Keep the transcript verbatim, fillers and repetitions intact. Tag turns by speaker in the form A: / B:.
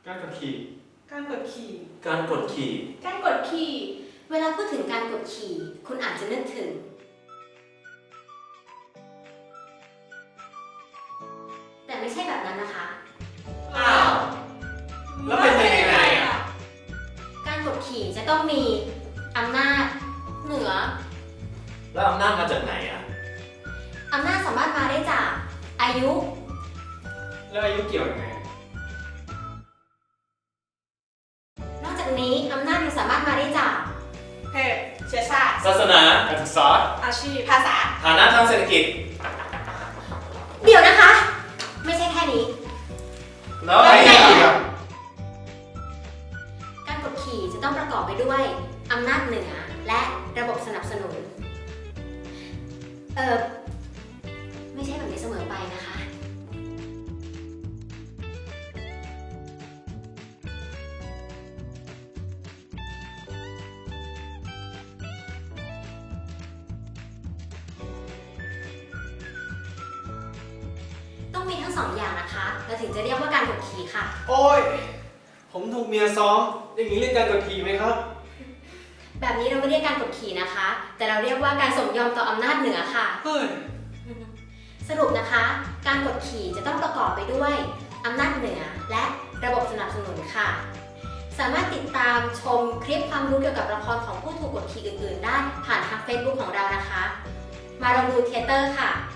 A: การกดขี่
B: การกดขี่
C: การกดขี่
B: การกดขี่
D: เวลาพูดถึงการกดขี่คุณอาจจะนึกถึงแต่ไม่ใช่แบบนั้นนะคะ
C: อ้าว แล้วเป็นไปยังไงอ่ะ
D: การกดขี่จะต้องมีอำนาจเหนือ
C: แล้วอำนาจมาจากไหนอ่ะ
D: อำนาจสามารถมาได้จากอายุ
A: แล้วอายุเกี่ยวยังไง
D: นอกจากนี้อำนาจยังสามารถมาได้จาก
B: เพศเชื้อชาติ
C: ศาสนา
A: การศึกษา
B: อาชีพภาษา
C: ฐานะทางเศรษฐกิจ
D: เดี๋ยวนะคะ ไม่ใช่แค่นี้
C: แล้วอะไรอีกอ่ะ
D: การกดขี่จะต้องประกอบไปด้วยอำนาจเหนือและระบบสนับสนุน เออไม่ใช่แบบนี้เสมอไปนะคะ ต้องมีทั้งสองอย่างนะคะเราถึงจะเรียกว่าการกดขี่ค่ะ
A: โอ้ยผมถูกเมียซ้อมอย่างนี้เรียกการกดขี่ไหมครับ
D: แบบนี้เราไม่เรียกการกดขี่นะคะ แต่เราเรียกว่าการสมยอมต่ออำนาจเหนือค่ะ
A: เฮ้ย
D: สรุปนะคะ การกดขี่จะต้องประกอบไปด้วยอำนาจเหนือและระบบสนับสนุนค่ะ สามารถติดตามชมคลิปความรู้เกี่ยวกับละครของผู้ถูกกดขี่อื่นๆ ได้ผ่านทาง Facebook ของเรานะคะ มาลองดูเทเตอร์ค่ะ